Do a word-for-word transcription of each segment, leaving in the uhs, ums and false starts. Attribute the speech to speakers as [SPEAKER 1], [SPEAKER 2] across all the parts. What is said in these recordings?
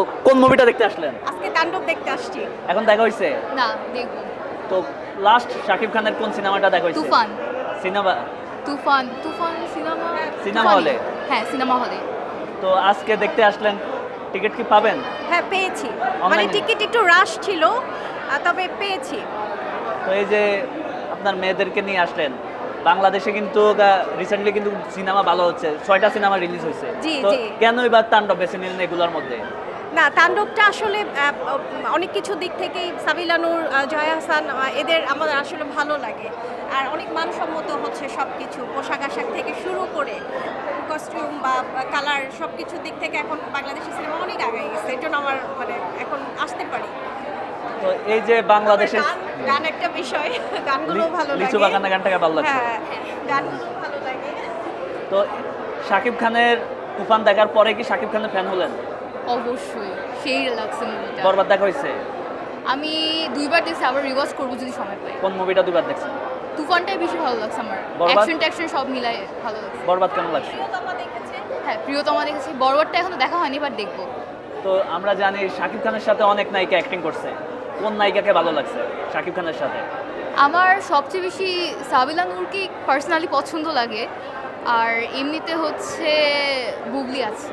[SPEAKER 1] কোন মুভিটা দেখতে আসলেন?
[SPEAKER 2] আজকে তাণ্ডব দেখতে আসছি।
[SPEAKER 1] এখন দেখা হইছে?
[SPEAKER 3] না দেখবো।
[SPEAKER 1] তো লাস্ট শাকিব খানের কোন সিনেমাটা দেখা হইছে?
[SPEAKER 3] Toofan.
[SPEAKER 1] Cinema
[SPEAKER 3] Toofan Toofan cinema
[SPEAKER 1] cinema হলে?
[SPEAKER 3] হ্যাঁ সিনেমা হলে।
[SPEAKER 1] তো আজকে দেখতে আসলেন, টিকিট কি পাবেন?
[SPEAKER 2] হ্যাঁ পেয়েছি, মানে
[SPEAKER 1] Online-এ?
[SPEAKER 2] টিকিট একটু রাশ ছিল, আহ, তবে পেয়েছি।
[SPEAKER 1] তো এই যে আপনার মেয়েদেরকে নিয়ে আসলেন, বাংলাদেশে কিন্তু রিসেন্টলি কিন্তু সিনেমা ভালো হচ্ছে, ছয়টা সিনেমা রিলিজ হয়েছে।
[SPEAKER 2] জি,
[SPEAKER 1] তো
[SPEAKER 2] জি।
[SPEAKER 1] কেন এবার তাণ্ডব বেছে নিলেন এগুলোর মধ্যে?
[SPEAKER 2] না, তাণ্ডবটা আসলে আহ, অনেক কিছু দিক থেকেই সাবিলা নূর, আহ, জয়া হাসান, আহ, এদের আমাদের আসলে ভালো লাগে। আর অনেক মানসম্মত হচ্ছে সব কিছু, পোশাক আশাক থেকে শুরু করে কস্টিউম বা কালার সব কিছুর দিক থেকে এখন বাংলাদেশের সিনেমা অনেক আগে গেছে। এই জন্য আমার মানে এখন আসতে পারি।
[SPEAKER 1] তো এই যে বাংলাদেশের
[SPEAKER 2] গান গান একটা বিষয়, গানগুলো ভালো লাগে।
[SPEAKER 1] লিচু বাগানের গানটাকে ভালো লাগছে।
[SPEAKER 2] হ্যাঁ, গানগুলো ভালো লাগে।
[SPEAKER 1] তো শাকিব খানের তুফান দেখার পরে কি শাকিব খানের ফ্যান হলেন?
[SPEAKER 3] অবশ্যই সেই লাগছে মুভিটা।
[SPEAKER 1] বরবাদ দেখা হয়েছে?
[SPEAKER 3] আমি দুইবার দেখছি, আবার রিওয়াজ করবো যদি সময় পাই।
[SPEAKER 1] কোন মুভিটা দুবার দেখছেন?
[SPEAKER 3] তুফানটাই বেশি ভালো লাগছে আমার,
[SPEAKER 1] বরবাদ?
[SPEAKER 3] অ্যাকশন ট্যাকশন সব মিলাই ভালো লাগছে।
[SPEAKER 1] বরবাদ কেমন লাগছে?
[SPEAKER 2] প্রিয়তমা দেখেছে?
[SPEAKER 3] হ্যাঁ প্রিয়তমা দেখেছি, বরবাদটা এখনো দেখা হয়নি, বাট দেখবো।
[SPEAKER 1] তো আমরা জানি শাকিব খানের সাথে অনেক নায়িকা অ্যাক্টিং করছে, কোন নায়িকাকে ভালো লাগছে শাকিব খানের সাথে?
[SPEAKER 3] আমার সবচেয়ে বেশি সাবিলা নূরকে পার্সোনালি পছন্দ লাগে, আর এমনিতে হচ্ছে বুবলি আছে।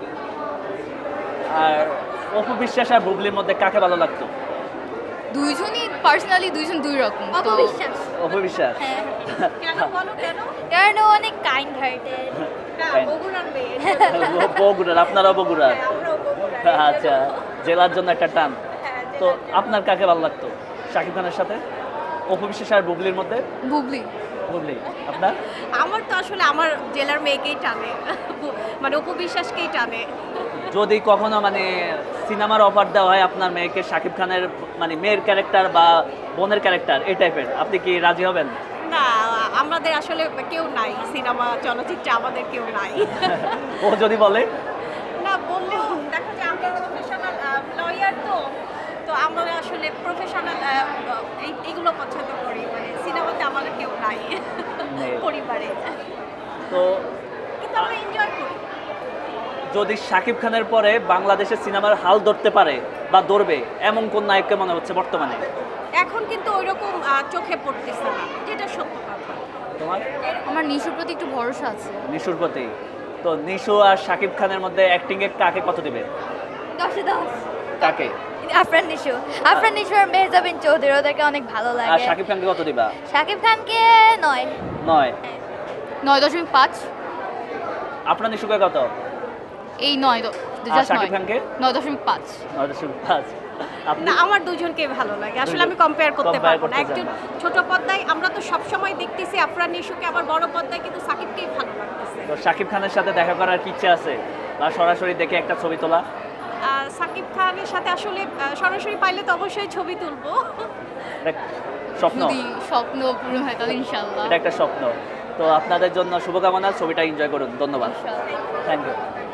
[SPEAKER 1] আর অপু বিশ্বাস আর বুবলির মধ্যে কাকে ভালো লাগতো?
[SPEAKER 3] দুইজনই পার্সোনালি দুইজন দুই রকম তো।
[SPEAKER 2] অপবিশ্বাস।
[SPEAKER 1] অপু বিশ্বাস?
[SPEAKER 2] হ্যাঁ। কেন বলো কেন?
[SPEAKER 4] কারণ ও অনেক কাইন্ড হার্টেড।
[SPEAKER 2] না,
[SPEAKER 1] Kind.
[SPEAKER 2] বগুড়ার মেয়ে।
[SPEAKER 1] বগুড়ার, আপনারাও বগুড়ার?
[SPEAKER 2] হ্যাঁ, আমরাও বগুড়ার।
[SPEAKER 1] আচ্ছা, জেলার জন্য একটা টান।
[SPEAKER 2] হ্যাঁ,
[SPEAKER 1] তো
[SPEAKER 2] জেলার জন্য।
[SPEAKER 1] আপনার কাকে ভালো লাগতো শাকিব খানের সাথে? অপু বিশ্বাস আর বুবলির মধ্যে?
[SPEAKER 3] বুবলি।
[SPEAKER 1] বুবলি। আপনার?
[SPEAKER 2] আমার তো আসলে আমার জেলার মেয়েকেই টানে, মানে উপবিশ্বাসকেই টানে।
[SPEAKER 1] যদি কখনো মানে সিনেমার অফার দেওয়া হয় আপনার মেয়েকে শাকিব খানের মানে মেয়ের ক্যারেক্টার বা বোনের ক্যারেক্টার এই টাইপের, আপনি কি রাজি হবেন?
[SPEAKER 2] না, আমাদের আসলে কেউ নাই সিনেমা চলচ্চিত্রে, আমাদের কেউ নাই।
[SPEAKER 1] ও যদি বলে?
[SPEAKER 2] না বললেও দেখা যায় আমরা প্রফেশনাল লয়ার, তো তো আমরা আসলে প্রফেশনাল এইগুলো পছন্দ করি, মানে সিনেমাতে আমাদের কেউ নাই
[SPEAKER 1] নেই।
[SPEAKER 2] পরিবারে,
[SPEAKER 1] তো
[SPEAKER 2] কিন্তু আমরা এনজয় করি।
[SPEAKER 1] যদি শাকিব খানের পরে বাংলাদেশের সিনেমার হাল ধরতে পারে বা ধরবে এমন কোন নায়ককে মনে হচ্ছে বর্তমানে?
[SPEAKER 2] এখন কিন্তু ওইরকম আহ, চোখে পড়তেছে না, যেটা সত্য কথা।
[SPEAKER 1] তোমার?
[SPEAKER 3] আমার নিশুর প্রতি একটু ভরসা আছে।
[SPEAKER 1] নিশুর প্রতি? তো নিশু আর শাকিব খানের মধ্যে অ্যাক্টিং এ কাকে কত দিবে?
[SPEAKER 4] দশে দশ।
[SPEAKER 1] কাকে?
[SPEAKER 4] আফরান নিশু আফরান নিশু আর মেহজাবিন চৌধুরী, ওদেরকে অনেক ভালো
[SPEAKER 1] আর
[SPEAKER 4] লাগে।
[SPEAKER 1] শাকিব খানকে কত দিবা?
[SPEAKER 4] শাকিব খানকে নয়।
[SPEAKER 1] নয়?
[SPEAKER 3] নয় দশমিক পাঁচ।
[SPEAKER 1] আপনার নিশুকে কত?
[SPEAKER 3] এই নয় দ-
[SPEAKER 1] আর
[SPEAKER 3] just
[SPEAKER 1] শাকিব
[SPEAKER 3] নয়।
[SPEAKER 1] খানকে?
[SPEAKER 3] নয় দশমিক পাঁচ।
[SPEAKER 1] নয় দশমিক পাঁচ। আপনি?
[SPEAKER 2] না, আমার দুজনকে ভালো লাগে আসলে,
[SPEAKER 1] দুজন-
[SPEAKER 2] আমি কম্পেয়ার করতে
[SPEAKER 1] compare
[SPEAKER 2] পারবো না।
[SPEAKER 1] করতে
[SPEAKER 2] একজন
[SPEAKER 1] চান না।
[SPEAKER 2] ছোট পর্দায় আমরা তো সবসময় দেখতেছি আফরান নিশুকে, আবার বড় পর্দায় কিন্তু সাকিবকেই ভালো লাগতেছে।
[SPEAKER 1] তো শাকিব খানের সাথে দেখা করার কি ইচ্ছা আছে, বা সরাসরি দেখে একটা ছবি তোলা?
[SPEAKER 2] আহ, সাকিব খানের সাথে আসলে আহ, সরাসরি পাইলে তো অবশ্যই ছবি তুলবো।
[SPEAKER 1] এটা স্বপ্ন?
[SPEAKER 3] যদি স্বপ্ন পূরণ হয় তাহলে ইনশাল্লাহ।
[SPEAKER 1] এটা একটা স্বপ্ন। তো আপনাদের জন্য শুভকামনা, ছবিটা এনজয় করুন। ধন্যবাদ।
[SPEAKER 3] ইনশাল্লাহ।
[SPEAKER 1] Thank you.